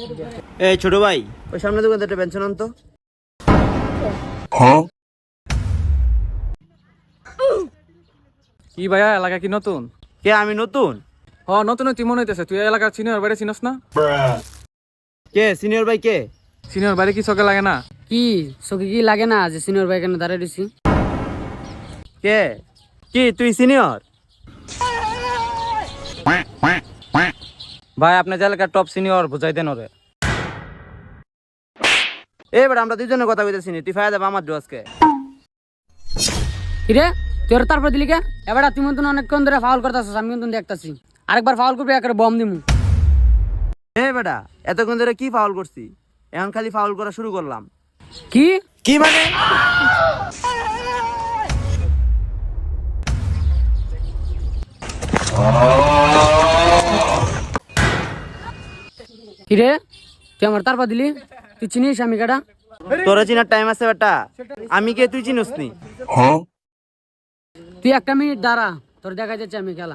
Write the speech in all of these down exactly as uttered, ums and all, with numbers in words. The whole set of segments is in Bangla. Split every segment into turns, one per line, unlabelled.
এই ছোট ভাই, ওই সামনে দোকান থেকে একটা পেনশন আনতো।
কি ভাইয়া, এলাকা কি নতুন?
কে আমি নতুন?
হ নতুন তুই মনে হইতেছে। তুই এলাকার সিনিয়র বাড়ি চিনস না?
কে সিনিয়র ভাই কে?
সিনিয়র বাড়ি কি চোখে লাগে না?
কি চোখে কি লাগে না যে সিনিয়র ভাই কেন দাঁড়িয়ে দিছি?
কে কি তুই সিনিয়র?
ভাই আপনি যে এলাকার টপ সিনিয়র, বুঝাই দেন ওরে।
এবার আমরা দুজনের কথা কইতেছি, তুই ফায়দা দেব আমার আজকে।
কিরে তুই ওর তারপর দিলি কে? এবার তুমি তো অনেকক্ষণ ধরে ফাউল করতেছিস, আমি কিন্তু দেখতাছি। আরেকবার ফাউল করবি, একেবারে বম দিমু।
এ বেটা, এতক্ষণ ধরে কি ফাউল করছি? এখন খালি ফাউল করা শুরু করলাম।
কি
কি মানে?
কিরে তুই আমার তারপর দিলি? তুই চিনিস আমি কাটা?
তোরা চিনার টাইম আছে বেটা? আমি কে তুই চিনিস নি?
তুই একটা মিনিট দাঁড়া, তোর দেখা যাচ্ছে আমি খেলা।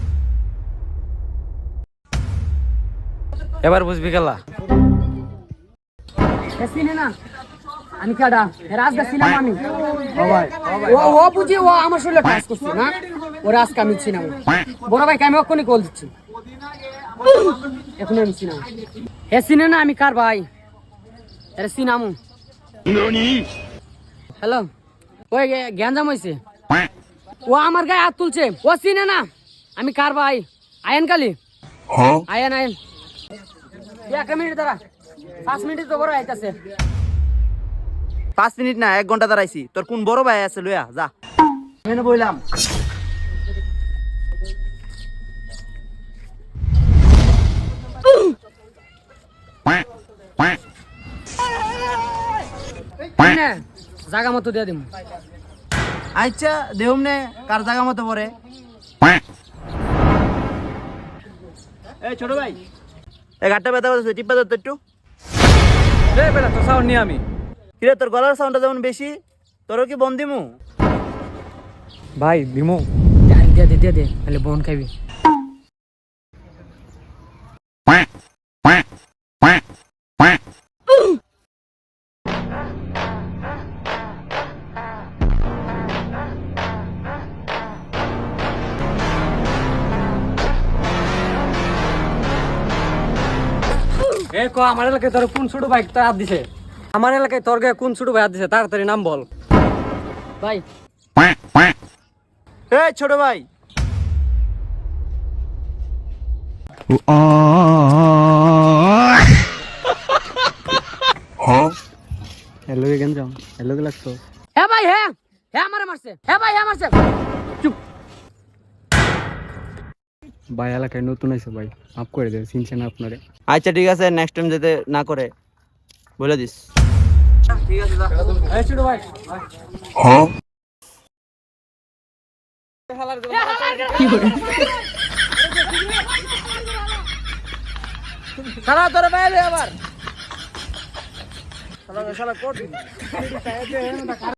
এবার বুঝবি খেলা।
চিনে না আমি কাটা, রাজদা ছিলাম আমি। ও ও বুঝি ও আমার শরীরে টাচ করছে না, ও রাজকে আমি চিনাম। বড় ভাইকে আমি ওখানে কল দিচ্ছি, এখন আমি চিনাম। হে চিনে না আমি কার ভাই, আরে চিনামু। হ্যালো, ওই গ্যাঞ্জাম হয়েছে, ও আমার গায়ে হাত তুলছে, ও চিনে না আমি কার ভাই। আয়েন কালি, আয়েন আয়েন। এক মিনিট দাঁড়া, পাঁচ মিনিট তো বড় আইতাছে।
পাঁচ মিনিট না, এক ঘন্টা দাঁড়াইছি। তোর কোন বড় ভাই আছে লইয়া যা। মেনে বইলাম।
জাগা মতো দিয়ে দিম।
আচ্ছা দেহুম নে, কার জায়গা মতো পরে। এই ছোট ভাই, এই ঘাটটা ব্যথা করতেছে, টিপা ধরতো একটু।
এ বেটা, তো সাউন্ড নিয়ে আমি।
কিরে তোর গলার সাউন্ডটা যেমন বেশি, তোরও কি বন্দিমু?
ভাই দিমু।
দিয়ে দে দিয়ে দে, তাহলে বন খাবি।
এ ক আমার এলাকায় তোর কোন ছোট ভাই হাত দিছে? আমার এলাকায় তোর গায়ে কোন ছোট ভাই হাত দিছে? তাড়াতাড়ি নাম বল
ভাই।
এই ছোট ভাই,
হ্যালো গেঞ্জাম, হ্যালো কে লাগতো?
হ্যাঁ ভাই, হ্যাঁ হ্যাঁ আমারে মারছে, হ্যাঁ ভাই হ্যাঁ মারছে। চুপ।
ভাই এলাকায় নতুন আইছে ভাই, মাফ করে দে, চিনছেন আপনারে।
আচ্ছা ঠিক আছে, নেক্সট টাইম যাতে না করে বলে দিস। ঠিক আছে যা।
এই ছোট ভাই,
সারা তোরে বাইরে আবার শালা শালা কোট